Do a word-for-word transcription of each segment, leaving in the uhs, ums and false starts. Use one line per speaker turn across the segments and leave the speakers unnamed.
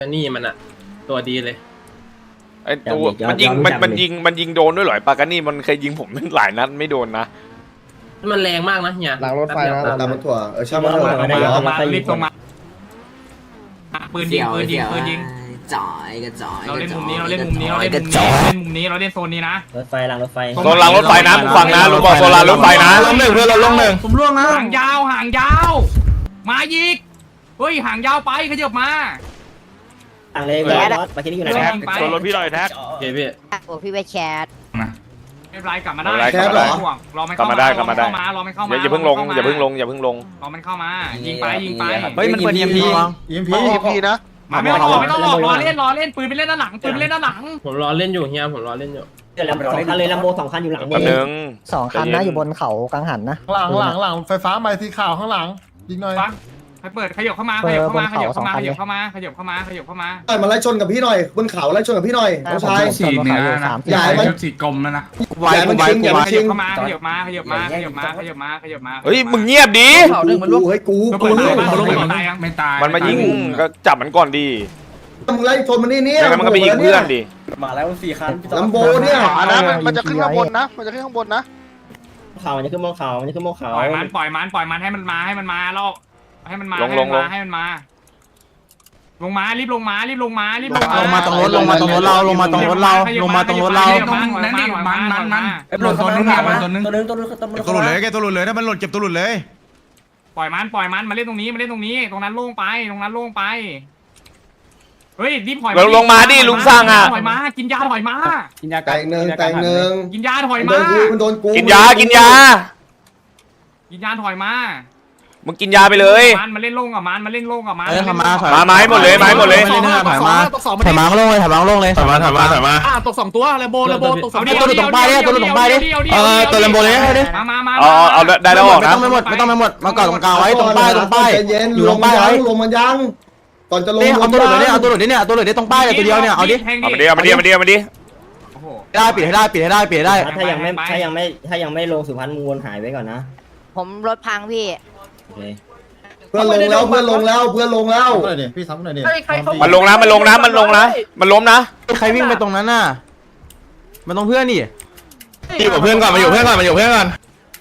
นี่มันอะตัวดีเลย
ไอ้ตัวมันยิงมันมันยิงมันยิงโดนด้วยเหรอปากานี่มันเคยยิงผมหลายนัดไม่โดนนะ
มันแรงมากนะเนี่ย
หลังรถไฟนะตามรถถั่วเออช่าง
มั
มัน นเถอะ
มา
เดี๋ยว
มารีบส่งมาปืนยิงปืนยิงปืนยิง
จ่อยกระจ่อย
เราเล่นมุมนี้เราเล่นมุมนี้เราเล่นมุมนี้เราเล่นมุมนี้เราเล่นโซนนี้นะ
รถไฟหลังรถไฟ
โซนรางรถไฟนะมึงฟังนะลุงบอกโซนรางรถไฟนะลงหนึ่งเพื่อนเราลงหนึ่ง
ผมล่วงนะห่างยาวห่างยาวมายิกเฮ้ยห่างยาวไปขยับมา
ต่างเลยรถไปที่นี่อยู่ไหน
โซนรถพี่หน่อยแท็ก
โอเคพี่
โอ้พี่ไปแชท
ไม่เป็นไรกลับมาได้รอมัน
กลับมาได้กลับมาได้
รอมันเข้ามา
อย่าเพิ่งลงอย่าเพิ่งลงอย่าเพิ่งลง
รอมันเข้ามายิงไปยิงไป
เฮ้ยมันเปิด อี เอ็ม พี
อีเอ็มพีอีเอ็มพีนะ
มาไม่ต้องออกไม่ต้องออกรอเล่นรอเล่นปืนไปเล่นด้านหลังปืนไปเล่นด้านหลัง
ผมรอเล่นอยู่เฮียผมรอเล่นอยู่
เดี๋ยวสองคันเลยลำโบสองคันอยู่หลัง
แป๊บนึง
สองคันนะอยู่บนเขากังหันนะ
หลังหลังหลังไฟฟ้าไม้สีขาวข้างหลังยิงหน่อย
ฟังให้เปิดขยับเข้ามาขยับเข้ามาขยับเข้ามาขยับเข้ามาขยับเข้ามาขยับเข้ามา
มาไล่ชนกับพี่หน่อยบนเขาไล่ชนกับพี่หน่อยน้องชาย
สีเนื้อนะ
ใหญ่มัน
สีกลมแล้วนะ
ใหญ่มันชิงใหญ่มัน
ข
ชิ
ยับ
ง
เข้ามาขยับมาขยับมาขยับมาขยับมาขยับมา
เฮ้ยมึงเงียบดิ
กูเฮ้ยกู
กู
กู
รู้มันรู้มันตายยังไม่ตาย
มันมายิงก็จับมันก่อนดี
มึงไล่ชนมันนี่เนี่ย
ไม่งั้นมันก็ไปยิงเพื่อนดิ
มาแล้วสี่คัน
ลำโบเนี่ย
นะมันจะขึ้นข้างบนนะ
มันจะขึ้นข้างบนนะ
เขามันจะขึ้นบนเขามันจะขึ้นบนเขา
ปล่อยมันปล่อยมันปล่อยมันให้มันมาให้มันมาแล้วให้มันมาให้มันมาให้มันมาลงมารีบลงมารีบลงมารีบลงมา
ลงมาตรงรถลงมาตรงรถเราลงมาตรงรถเราลงมาตรงรถเรา
นั่นนี่มันมันมัน
ไอ้ปลดตัวนึงตัวนึงตัวนึงตัวนึงตัวนึง
ตัวหลุดเลยแกตัวหลุดเลยถ้ามันหลุดเก็บตัวหลุดเลย
ปล่อยมันปล่อยมันมาเล่นตรงนี้มาเล่นตรงนี้ตรงนั้นโล่งไปตรงนั้นโล่งไปเฮ้ยรีบถอยถอยมากินยาถอยมา
แต่งหนึ่งแต่งหนึ่ง
กินยาถอย
โด
มาน
กูมันโดนกู
กินยากินยา
กินยาถอยมา
มึงกินยาไปเลย
มันมาเล่นโล่งกับมันมาเล่นโล่งกับมัน
เออทำมาถอย
มาไม้หมดเลยไม้หมดเลย
ถอยมาถอยมาถอยมาลงเลยถอยมาลงเลยถอยมาถอยมาถอยมา
ตกสองตัวเลโบเลโบตกสอง
ตัวหลุดตรงป้ายดิตัวหลุดตรงป้ายดิเออตัวเลมโบเลยดิ
มามามา
เอาเอาได้แล้วออก
ไม่
นะ
ต้องไม่หมดไม่ต้องไม่หมดมาก่อนตรงกลางไว้ตรงป้ายตรงป้าย
เย็น
อยู่
ล
ตรง ง
มั
ป้าน ย
ยั
ไว้
งลงมันยังก่อนจะลง
นี่เอาตัวหลุดเลยเนี่ยเอาตัวหลุดเนี่ยเอาตัวหลุดเนี่ยตรงป้ายเลยตัวเดียวเนี่ยเอาดิ
เอามาดิเอามาดิเอามาดิเอามาดิ
ได้ปิดให้ได้ปิดให้ได้ปิดให้ได้
ถ้ายังไม่ถ้ายังไม่ถ้ายังไม่ลงสุพรรณมูลหายไว้ก่อนนะ
ผมรถพังพี่
โอเค
เพื่อนลงแล้วเพื่อนลงแล้วเพื่อนลงแล้ว
พี่ซ้ำหน่อยดิ
มันลงนะมันลงนะมันลงนะมันล้มนะ
ใครวิ่งไปตรงนั้นน่ะมันต้องเพื่อนนี่
อยู่กับเพื่อนก่อนมาอยู่เพื่อนก่อนมาอยู่เพื่อนก่อน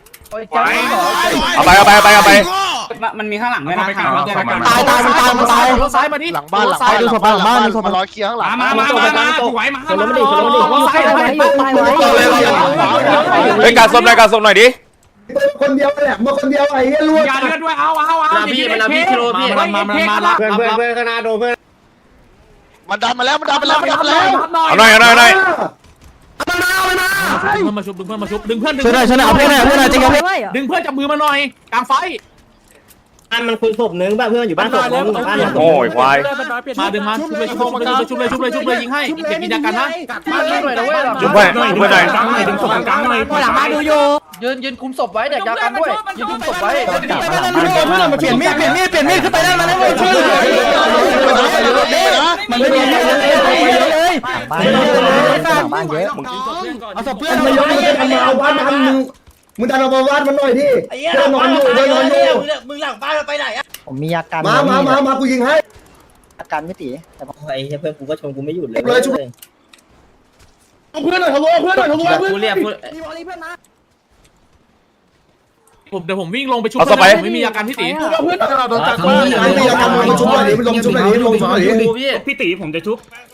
เอาไปเอาไปเอาไปเอาไป
มันมีข้างหลังด้วยนะ
ตายตายมันตายมันตาย
รถซ้ายมาดิ
หลังบ้านหลัง
ไปดูศพหลังบ้านดูศพ
มารอเคลียร์ข้างหลัง
มามามามาถอยมามา
ซ้ายไว้ซ้ายไว้
เฮ้ยการส้มหน่อยการส้มหน่อยดิ
คนเดียวแหละมาคนเดียวไอ้เหี้ยล้วน
อย่าเลือดด้วยเอาเอาเอา
พี่มันเอาพี่กิโลพี่
มามามามา
เพื่อนเพื่อนเพื่อนข้างหน้าโดนเพื่อนมันดันมาแล้วมันดันมาแล้วมันดันมาแล้ว
เอาหน่อยเอาหน่อยเอาหน่อย
ดึงเพื่อนมาชุบดึงเพื่อนมาชุบดึงเพื่อนดึง
ช่วยหน่อยช่วยหน่อยเอาเพื่อนหน่อยเพื่อนหน่อยจริงครับ
ดึงเพื่อนจับมือมาหน่อยกลางไฟ
อันมันคุยศพนึงป่ะเพื่อนอยู่บ้านศพนึงบ้านศพ
โอ้ยควาย
มาดึงมาชุบเลยชุบเลยชุบเลยชุบเลยชุบเลยยิงให้เก็บมีดากันนะ
มาเล่นหน่อยนะเว้ย
จุ๊บไปจุ๊บไปหน่อย
กลางหน่อยดึงศพกลางหน่อย
หลังมาดูอยู่
ยืนยืนคุมศพไว้เดี๋ยวจะกันด้วยยืนคุมศพไว้
เปลี่ยนมีดเปลี่ยนมีดเปลี่ยนมีดขึ้นไปได้มาแล้วช่วยมันไม่มีเลยบ้านบ้านเยอะเอาศพเพื่อน
มันยกมือกันมาเอาบ้านมันมึงมึงดันเอาบ้านมันหน่อยดิเพื่อนนอนอยู่เพื่อนนอนอยู่
มึงหลังบ้านไปไหนอะ
ผมมีอาการ
มามามามากูยิงให้
อาการไม่ตีแต่
ไอ้เพื่อนกูก็ชมกูไม่หยุดเลย
เพื่อนหน่อยทะลุเพื่อนหน่อยทะลุเพื่อน
กูเรียกกู
ผมเดี๋ยวผมวิ่งลงไปชุบไม่มีอาการพี่ตี
เพื่อนเราโดนจับมาไม่มีอาการมันชุบหน่อยดิมันลงชุบหน่อยดิลงชุบหน่อยดิ
ดูพี่
พี่ตีผมจะชุบ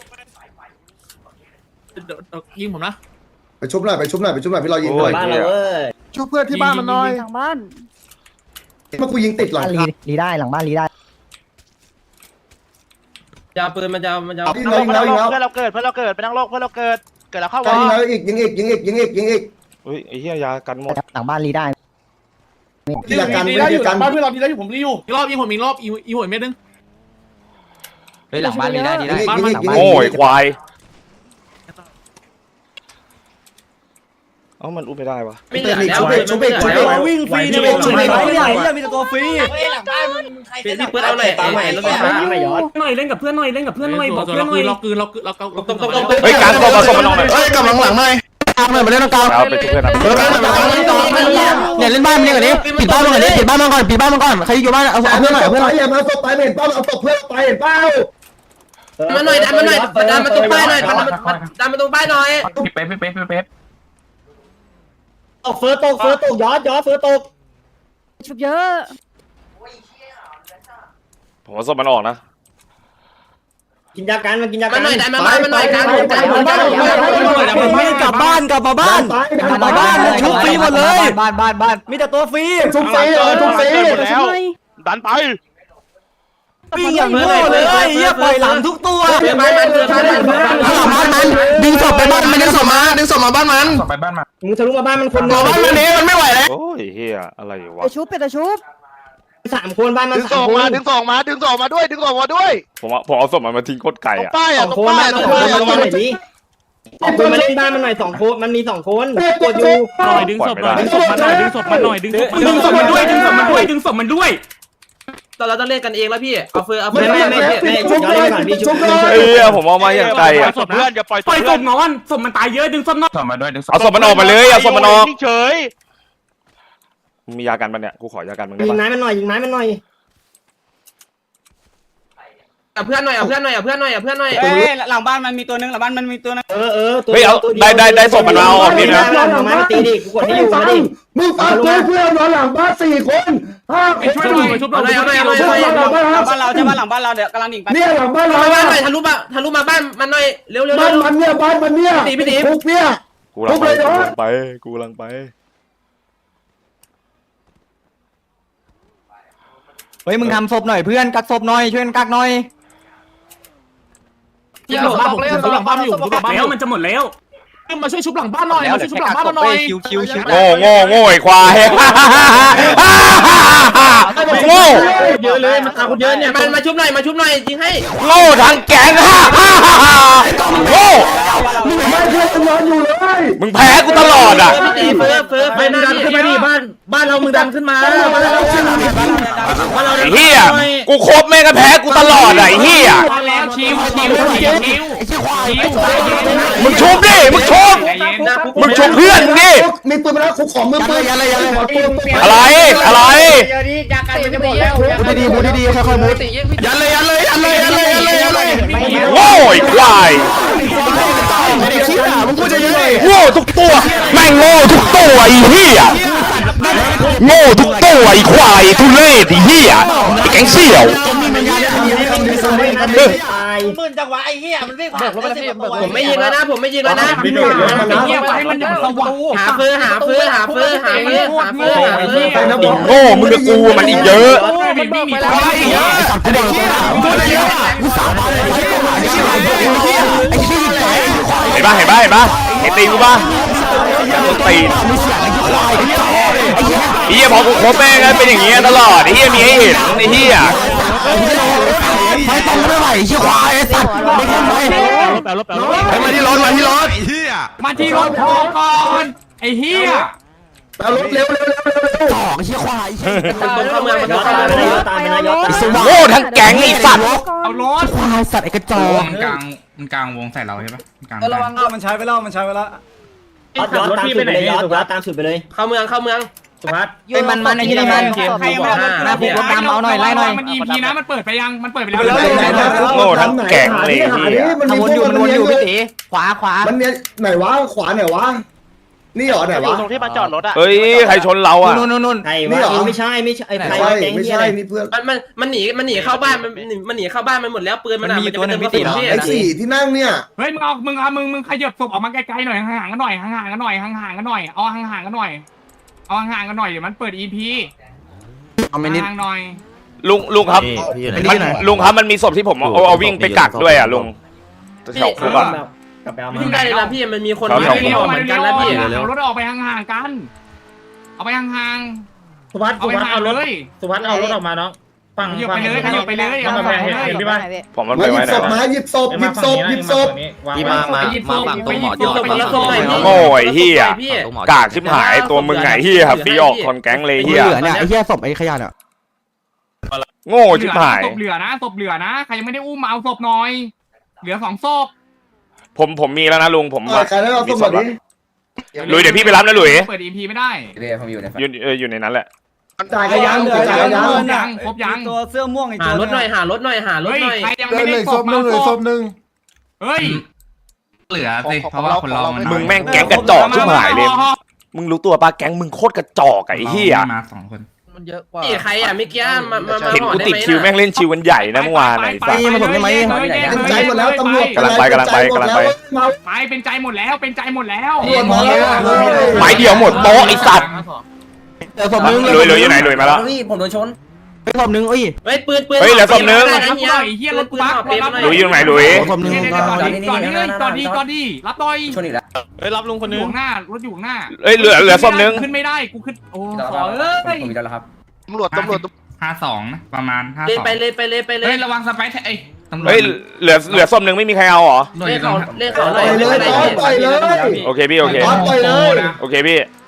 ยิงผมนะ
ไปชุบหน่อยไปชุบหน่อยไปชุบหน่อยพี่เรายิงหน่อย
บ้านเราเว้ย
ชุบเพื่อนที่บ้านมันหน่อย
ทางบ้าน
เมื่อกูยิงติดหลัง
รีรีได้หลังบ้านรีได้
จะปืนมันจะมันจะ
ยิงแล้วยิงแล้วยิงแล้ว
เพื่อนเราเกิดเพื่อนเราเกิดไปนั่งโลกเพื่อนเราเกิดเกิดแล้วเข้าว
ยิงแล้วอีกยิงอีกยิงอีกยิงอีกยิงอีก
เฮ้ยไอ้เหี้ยยากันหมด
หลังบ้านรีได้
ทีละกันไม่ทีกันบ้านเพื่อนเรา
อีกรอบยิงผมอีกรอบอีอีหัวเม็ดนึง
เฮ้ยหลังบ้านรีได้รีได้
โอ้ยควายเอ้ามันอุ้มไม่ได้วะ
ไม่เหลือแล้ว
ชุบอีกชุบอีกชุบอีก
วิ่งฟรี
ชุบอีกชุบอีก
ไม่ได้เนี่ยมีแต่ตัวฟรี
พี่พี่เปิดเอาหน่อยไอ้ใหม่รถไฟฟ้า
ไม่ย้อน
หน่อยเล่นกับเพื่อนหน่อยเล่นกับเพื่อนหน่อยบอกเพื่อนหน่อยเราคืนเราคืนเราเราตรงตรงตรง
เฮ้ยการส้มมาส้มมาลองหน่อย
เฮ้ยกลับหลังหลังหน่อยกลางหน่อยมาเล่นตรงกลาง
เอาไปชุบเพื่อนนะ
เออเนี่ยเล่นบ้านมันก่อนดิปิดบ้านมันก่อนดิปิดบ้านมันก่อนปิดบ้านมันก่อนใครอยู่บ้านเอาเอาเพื่อนหน่อยเอาเพื่อนหน่อย
อย่ามาศพไปเห็นเป้าเอาศพเพื่อนไปเห็นเป้า
มาหน่อยดันมาหน่อยดันมาตรงป้ายหน่อยดันมาดันมาตรงป้ายหน่อย
พี่เป๊ปพี่เป๊ปพี่เป๊ป
ตกเฟิร์ตกเฟิร์ตกยอดยอดเฟิร์ตก
ชุบเยอะ
ผมว่าศพมันออกนะ
กินยากันมากินยากั
มาน หน่อยดันมาบ้านมาหน่อยกลางหมดกลางหมดกลางหมด
ไม่กลับบ้านกลับมาบ้านกลับมาบ้านชุบฟรีหมดเลยบ้านบ้านบ้านมีแต่ตัวฟรี
ชุบฟรีเออชุบฟรี
หมดแล้วดันไป
วิ่งอย่างโง่เลยเฮียปล่อยหลังทุกตัว
เพื่อนบ้านมันเพื่อนบ้านมัน
บ้านมันดึงศพไปบ้านมันดึงศพมาดึงศพมาบ้านมัน
ไปบ้านมา
มึงทะลุมาบ้านมันคน
บ้านมันนี้มันไม่ไหวแล้ว
โอ้ยเฮียอะไรวะ
ไปชุบไปแต่ชุบ
สามคนบ้านมัน
ดึง
สา
ส่
ม
ง
คน
มาดึงส่งมาดึงส่งมาด้วยดึงส่งมาด้วย
ผมว่าผมเอาศพมันมาทิ้งโคตรไกล
ตรง
อ่ะ
ป้าย
ส
อ่ะ
อง
ตรง
คน
ป้าย
บ้าน
ต
มั
ร
น
ง
คน
ป้าย
มาเล่นดิสองคนมาเล่นบ้านมันหน่อยสองคนมันมีสองคนกดอยู่
หน่อยดึงศพหน่อยดึงศพ
ดึงศพมันหน่อยดึงศพดึงศพมันด้วยดึงศพมันด้วยดึงศพมันด้วย
ตอนเราต้องเล่นกันเองแล้วพี่เอาเฟือเอาเฟื
ไม่
อ
ไม่ไม่ไม่ชุบย้อนเลยก่อนพี่ชุบ
เฮ้ยผมเอามาอย่างไกลอ่ะ
ศพเพื่อนอย่าปล่อยศ
ปล่อยศ
พเพื่อน
พนอนศพมันตายเยอะดึงศพนอนศพมาด้วยดึงศพ
เอาศพมันออกมาเลยเอาศพมันออก
เฉย
มียากันปะเนี่ยกูขอยากันมึงได้
ยิง
ปะ
ไม้มันหน่อยยิงไม้มันหน่อย
เอาเพื่อนหน่อยเอาเพื่อนหน่อยเอาเพื่อนหน่อยเอาเพื่อนหน่อย
หลังบ้านมันมีตัวนึงหลังบ้านมันมีตัวนึง
เออเออตัว
เฮ้ยเอาได้ได้ได้ศพมันมาเอาออกนี่นะ
เอาไม้มาตีดิกูกดให้อยู่มาดิ
มึงฟังกูเพื่อนนอนหลังบ้านสี่คนห้าค
ไอ้ช่วยหน่อยชุบหน่
เอา
อย
หน่อยเอาหน่อยเอาหน่อย
หลังบ้าน
หลังบ้านเราใช่ป่ะหลังบ้านเราเดี๋ยวกำลังดิ่งไป
เนี่ยหลังบ้านเรา
มาบ้านหน่อยทะลุมาทะลุมาบ้านมันหน่อยเร็วเร็ว
บ้า
เร็
น
ว
มันเนี่ยบ้านมันเนี่ยทุกเนี่ย
กูลังไปกูลังไปกูลังไป
เฮ้ยมึงทำศพหน่อยเพื่อนกักศพหน่อยช่วยกันกักหน่อย
อย่าหลอกเลยหลังบ้านอยู่หลังบ้าน
แล้วมันจะหมดแล้ว
มาช่วยชุบหลังบ้านหน่อยมาช่วยชุบหลังบ้านหน่อย
คิวคิวคิว
โง่โง่โง่ไอ้ควายโง่
เยอะเลยมันตาคนเยอะเนี่ยมันมาชุบหน่อยมาชุบหน่อยยิงให้
โง่ทั้งแก๊งโง่
ไม่เพื่อนนอนอยู่เลย
มึงแพ้กูตลอดอ่ะ
เฟือเฟือเฟือไปดันขึ้นมาดิบ้านบ้านเรามึงดันขึ้นมาบ้านเราบ้านเรา
ไอ้เหี้ยกูครบแม่งก็แพ้กูตลอดอ่ะไอ้เหี้ย
แล้วชิวชิวชิวชิวชิว
มึงชุบดิมึงชุบมึงชุบเพื่อนดิ
มีปืนมาแล้วคุกของมือปืนอะไรอะไร
อะไรอะไร
บูดีบูดีค่อยๆบูดยันเลยยันเลยยันเลยยันเลยยันเลยยันเลย
โง่ไอ้ควาย
ไม่ได้คิดอ่ะมึงพูดจะยังไง
โง่ทุกตัวแม่งโง่ทุกตัวไอ้เหี้ยโง่ทุกตัวไอ้ควายทุเรศไอ้เหี้ยไอ้แก๊งเสี่ยว
หมื่นจังหวะไอ้เหี้ยมันวิ่งผ่าน
ผมไม่ยิงแล้วนะผมไม่ยิงแล้วนะ
ไอ้เหี้ยไปให้มันอย่างสว่าง
หาเฟือหาเฟือหาเฟือหาเฟือหาเฟือหาเฟือ
โง่มึงกับกูมันอีกเยอะ
ไม่มีไม่มีตัวไอ้เหี้ย
เห็นปะเห็นปะเห็นปะเห็นตีนกูปะตีนไอ้เหี้ยพอกูครบแม่งเป็นอย่างเงี้ยตลอดไอ้เหี้ยมีให้เห็นไอ้เหี้ย
ไม่ต้องไม่ไหวเชี่ยควายสัตว์ไม่ทำไม
มาที่รถมาที่รถ
มาที่รถพอก่อนไอ้เหี้ย
เอารถเร็วเร็วเร็วเร็วเร็ว
สองเชี่ยควาย
มันเข้าเมืองมัน
ยอ
เข้า
ด
เมือง
ตามไปนะยอดตามไปนะยอดตาม
โง่ทั้งแก๊งไอ้สัตว์
เอารถ
ควายสัตว์ไอ้กระจอก
มันกลางมันกลางวงใส่เราใช่ปะกลาง
ระวังมันใช้ไปแล้วมันใช้ไปแล้ว
ยอดยอดตามสุดไปเลยยอดยอดตามสุดไปเลย
เข้าเมืองเข้าเมืองสุภัส
เป็นมันมันไอ้ที่นี่มันใครมาหน้าผูกรถดำเอาหน่อยไล่หน่อย
มัน อี พี นะมันเปิดไปยังมันเปิดไปแล้ว
โง่ทั้งแก๊งเลย
หา
เหี้
ดิ
ย
มัน
ทำวนอยู่มันวนอยู่พี่ตีขวาขวา
มันเนี่ยไหนวะขวาไหนวะนี่เหรอไหน
อยู่
วะ
ตรงที่มาจอดรถอ่ะ
เฮ้ยใครชนเราอ่ะ
นู่นนู่นนู่น
ใครวะไม่ใช่ไม่ใช่ใคร
ใช่
แก๊ง
ไม่
เหี้ย
ใช่
อะไร
นี่เพื่อน
มันมันมันหนีมันหนีเข้าบ้านมันมันหนีเข้าบ้านมันหมดแล้วปืนมันอ่ะมันจะเป็นตัวพี่
ไอ้สี่ที่นั่งเนี่ย
เฮ้ยมึงเอามึงเอามึงมึงขยับศพออกมาไกลๆหน่อยห่างๆกันหน่อยห่างๆกันหน่อยห่างๆกันหน่อยเอาห่างๆกันหน่อยเอาห่างๆกันหน่อยเดี๋ยวมันเปิด อี พี
เอาไม่นิด
ห่างๆหน่อย
ลุงลุงครับมันลุงครับมันมีศพที่ผมเอาเอาวิ่งไปกักด้วยอ่ะลุงแถวคุกอ่ะ
กลับไปเอามา
ยิ่งได้เลยนะพี่มันมีคน
ครับ
ไม่ออกเหมือนกันนะพี่
เอารถออกไปห่างๆกันเอาไปห่าง
สุภัส
ๆเอา
สุ
ไป
ภัส
ห่าง
เอารถ
เลย
สุภัสเอารถออกมาเนาะฝั่ง
ขยับไปเลยขยับไปเลยเอาไปเลย
เห็นพี่ป่ะ
ผมมัน
มา
ไป
หยิ
ไว้
บ
ไหน
ศพ
วะ
มาหยิบศพหยิบศพหยิบศพ
ที่มามามาฝั่งตรงหมอ
หยิบศพมาแล้วส่งหน่อยพี่
โง่ไอ้เหี้ยกากชิบหายตัวมึงไงเหี้ยฟีออกคนแก๊งเลยเหี้ย
เหลือเนี่ยไอ้เหี้ยศพไอ้ขยะเนี่ย
โง่ชิบหาย
ศพเหลือนะศพเหลือนะใครยังไม่ได้อุ้มมาเอาศพหน่อย เหลือสองศพ
ผมผมมีแล้วนะลุงผม
ใครได้เอาศพแบบนี้
ลุยเดี๋ยวพี่ไปรับนะลุย
เปิด อี พี ไม่ได้
อยู่เอออยู่ในนั้นแหละ
จ่ายกันยังจ่ายกันยัง
ยังครบยัง
ตัวเสื้อม่วงอีก
หา
ตัว
รถหน่อยหารถหน่อยหารถ
เฮ้ย
หน่อย
ใครยังไม่ได้ศพมาศพเฮ้ย
เหลือสิเพราะว่าคนเรามัน
มึงแม่งแก๊งกระจอกชิบหายเลยมึงรู้ตัวปะแก๊งมึงโคตรกระจอกไอ้เหี้ย
มาสองคน
มันเยอะกว่า
นี่ใครอ่ะเมื่อกี้มามามา
เห็นกูติดคิวแม่งเล่นชิวกันใหญ่นะเมื่อวานไหนสัส
เป็นใจหมดแล้วตำรวจ
กำลังไปกำลังไปกำลังไป
ไปเป็นใจหมดแล้วเป็นใจหมดแล้ว
ตำรวจมาแล้ว
ไม้เดียวหมดโต๊ะไอ้สัตว์
เดี๋ยวศพนึง
ลุยลุยอยู่ไหนลุยมาแล้ว
นี่ผมโดนชน
ศพนึงเอ้ย
เฮ้ยปืนปืน
เฮ้ยเหลือศพนึง
รับหน่อยเฮียรถกูบัก
ลุยอยู่ไหนลุย
ศพนึง
ก่อนดีก่อนดีก่อนดีก่อนดีรับหน่อย
ชนอีกแล้ว
เฮ้ยรับลุงคน
อ
นึ
ยู่
ง
ข้างหน้ารถอยู่ข้างหน้า
เอ้ยเหลือเหลือศพนึง
ขึ้นไม่ได้กูขึ้นโอ้ขอเอ้ย
ผมอีกแล้วครับ
ตำรวจตำรวจ
ห้าสองนะประมาณห้า
เลย
สอง
ไปเลยไปเลยไปเลย
เฮ้ยระวังสไปร์เอ้ยตำรวจ
เฮ้ยเหลือเหลือศพนึงไม่มีใครเอาเหรอ
หน่วย
เล่
อน ยู่ตร
เขา
ง
เล่นเขาห
ป
น่
ล่
อ
อย ยเลยต่อยเลย
โอเคพี่โอเค
ต่อยเลย
โอเคพี่